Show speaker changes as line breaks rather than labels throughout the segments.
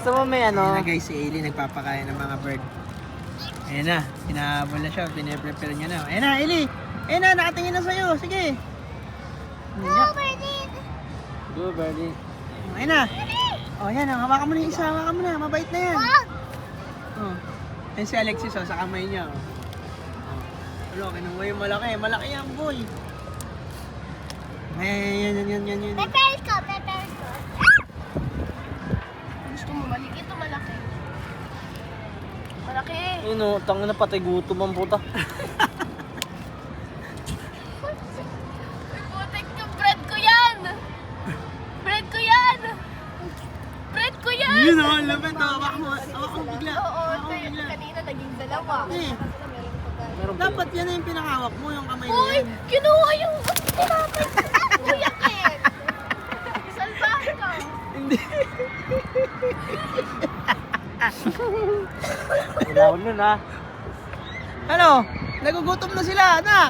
Gusto mo may ano?
Ayan na guys, si Ailey nagpapakain ng mga bird. Ayan na, pinahabol na siya, pinaprepare niya na. Ayan na, Ailey! Ayan na, nakatingin na sa'yo, sige!
Go, Birdie!
Go, Birdie.
Ayan na! O, ayan, hawakan mo na yung isa, hawakan mo na, mabait na yan.
Wag!
Oh. Ayan si Alexis, oh, sa kamay niya. Oh. Wala, kinuha yung malaki, malaki yan, boy. Ayan, yan.
Prepare ko. Gusto mo maliit o malaki? Malaki.
Ayun o, tangin na patay gutom ang puta.
Putik ka, bread ko yan! Bread ko yan! Bread ko yan!
Yun o, lapit, hawak mo bigla.
Oo,
Hawak mo bigla.
kanina naging dalawa.
Eh,
Meron pa
dapat yan na yung pinakawak mo, yung kamay na
Uy,
yan.
kinuha yung tinapay ko. Kuya Ken! Salbahe ka!
Hindi.
Ilaw nun ha.
Ano? Nagugutom na sila, anak.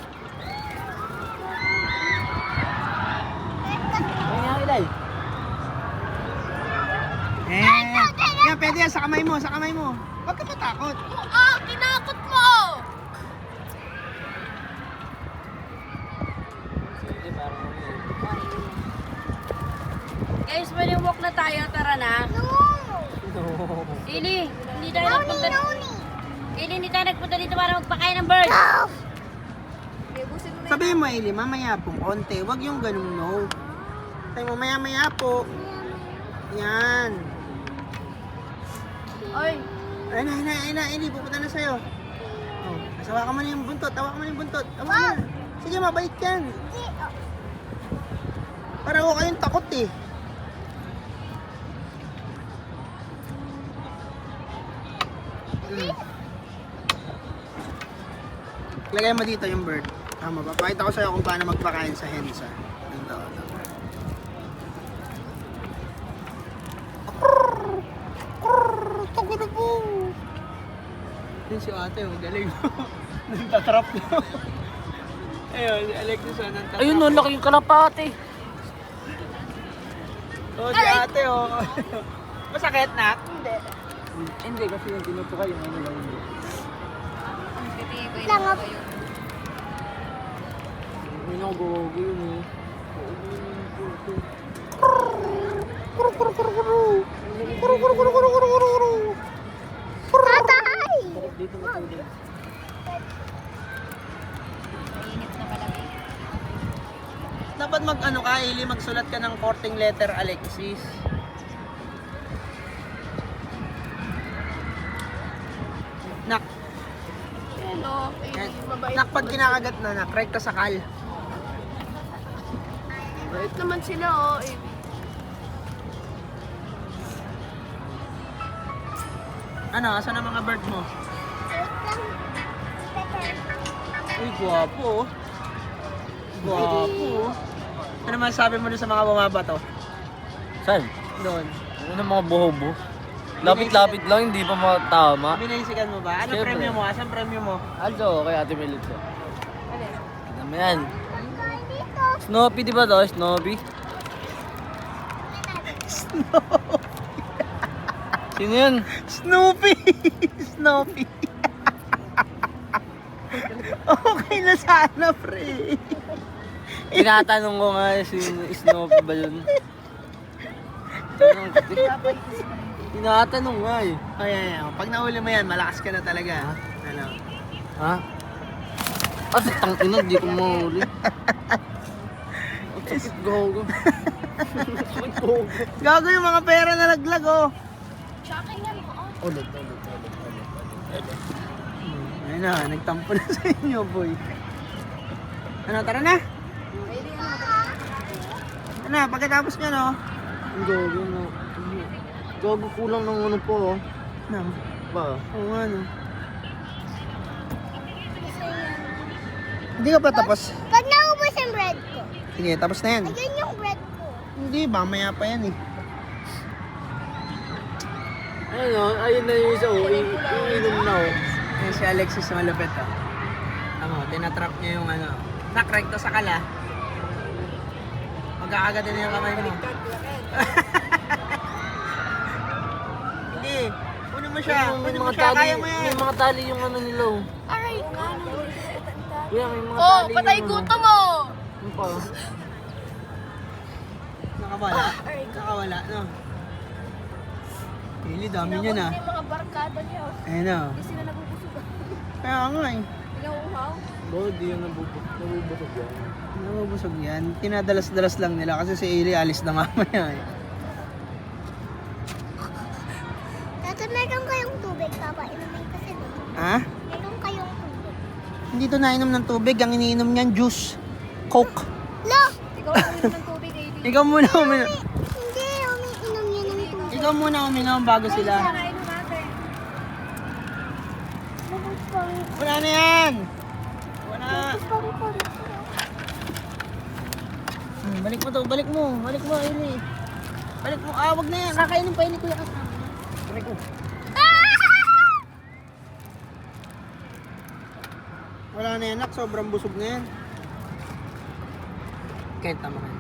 Ayun nga ilay.
Yan, pwede yan, sa kamay mo. Huwag ka matakot.
Ah, kinakot mo!
Sige, parang
Guys, walk na tayo. Tara na.
No!
Ili, hindi tayo nagpunta. Ili, hindi tayo nagpunta dito para magpakain ng bird.
Sabihin mo, Ailey, mamaya po, konti. Huwag yung ganun, no. Sabi mo, maya po. Yan.
Oy,
Ayun na, Ailey, pupunta na sa'yo. Oh, hawakan mo na yung buntot, hawakan mo na yung buntot. Hawakan mo na. Sige, mabait yan. Para ako kayong takot eh. Lagay mo dito yung bird. Tama ba? Pakita ko sa'yo kung paano magpakain sa hens. Ito. Takot po. Yun si ate, galing. Nantatrap na. Ayun, si Alexis nantatrap.
ayun no, laki yung kalapate.
Oh, si ate oh. Masakit na?
Hindi.
Hindi, kasi yung tinutukay yung ano lang yun.
Langap.
Ayun ako, gogo yun eh.
Tatay!
Dito matulog.
Dapat mag-ano ka, Eli, magsulat ka ng courting letter, Alexis. Nak,
Hello,
yan.
mabait.
Nak, pag kinakagat na, nak, right ka sakal.
Mabait naman sila, oh. Eh.
Ano, asan ang mga bird mo? Uy, guwapo oh. Guwapo oh. Ano masasabi mo dun sa mga bumabato?
Saan?
Doon.
Ano mga bohobo? Lapit-lapit lang, hindi pa matama.
Binaysikan mo ba? Ano
Siyempre.
premyo mo? Asan premyo mo?
Aldo, kay Ate Melitza. Tignan mo yan. Snoopy di ba to? Snoopy? Sino yun?
Snoopy! Snoopy! Okay na sana, pre.
Tinatanong ko nga si Snoopy ba yun? Tinatanong nga eh.
Ayan. Pag nahuli mo yan, malakas ka na talaga. Ano?
Ha? At tangina, di ko mahuli. Ang sakit gogo. Sakit gogo.
Gago yung mga pera na laglag, oh.
Shocking yan, oh.
Ulit.
Ayun na, nagtampo na sa inyo, boy. Ano, tara na? Ano, pagkatapos nyo, no?
Ang gogo na. Gogo kulang ng ano po. Oh.
Ano?
Ba?
Oo nga, no? Hindi ka pa tapos?
Pag naubos yung bread ko,
Sige, tapos na yan.
ayun yung bread ko.
Hindi, mamaya pa yan eh.
Ayun o, ayun na yung isa o. Iinom na o.
Yan si Alexis na malupit, oh. Ano, tinatrap niya yung ano. Nakrekto sa kala. Magkakagatin na yung kamay mo. siya.
May
Pwede mo
mga
siya,
tali,
kaya mo yan.
may mga tali yung ano nila. Oh.
Aray,
Kuya, may mga
oh,
tali
patay
yung ano.
gutom mo.
Ano pa?
Nakawala. Nakawala, no? Ili, dami niya na.
Yung mga barkada niya.
Ayun na.
Hindi sila nabubusog.
Kaya nga eh.
Pinauhaw.
Bo, di yun nabubusog yan.
Nabubusog yan. Tinadalas-dalas lang nila kasi si Ili alis na mamaya eh.
Dati meron kayong tubig, Papa. Inumin kasi doon.
Ha?
Meron kayong tubig.
Hindi to nainom ng tubig. Ang iniinom niyan, juice. Coke.
Lo!
Ikaw ang uminom ng tubig, Ailey.
Ikaw muna uminom.
Hindi, umiinom yan ng tubig.
Ikaw muna uminom bago sila.
Nainom natin.
Bubus pang...
Wala na yan. Wala. Balik mo to. Balik mo. Balik mo, Ili. Balik mo. Ah, wag na yan. Kakainin pa Ili, kuya. Balik mo. Wala na yan, nak. Sobrang busog na yan. Kaya tama ka.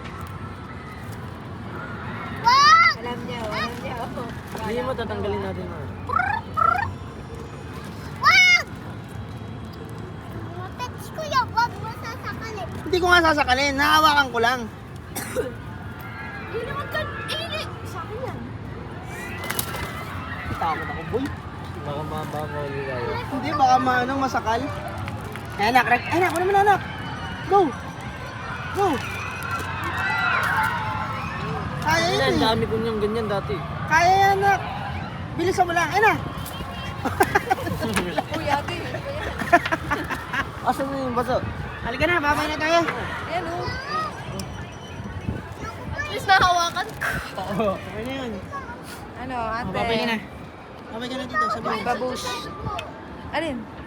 Alam niya, oh.
Hindi mo tatanggalin natin. Oh.
Wag! Mga pets ko yan, wag mo sasakalin.
Hindi ko nga sasakalin. Nahawakan ko lang.
Ailey, wag ka. Ailey! Sa akin yan.
Takot ako, boy.
Baka mabangawali tayo.
Hindi, baka maanong masakal. Ay, anak. Ay, anak. Ano naman, anak? Go! Go! Kaya
Yan,
yan eh.
dami ko niyang ganyan dati.
Kaya yan, anak. Bilisan mo lang. Ay na.
Kuya, ate.
Asan na yung baso?
Halika na, babay na tayo.
Ayan, oh. At least nahawakan ko.
Oo. Okay na yun.
Ano, ate?
Babay ka na. Babay ka na dito. Sabay.
Babush. Alin?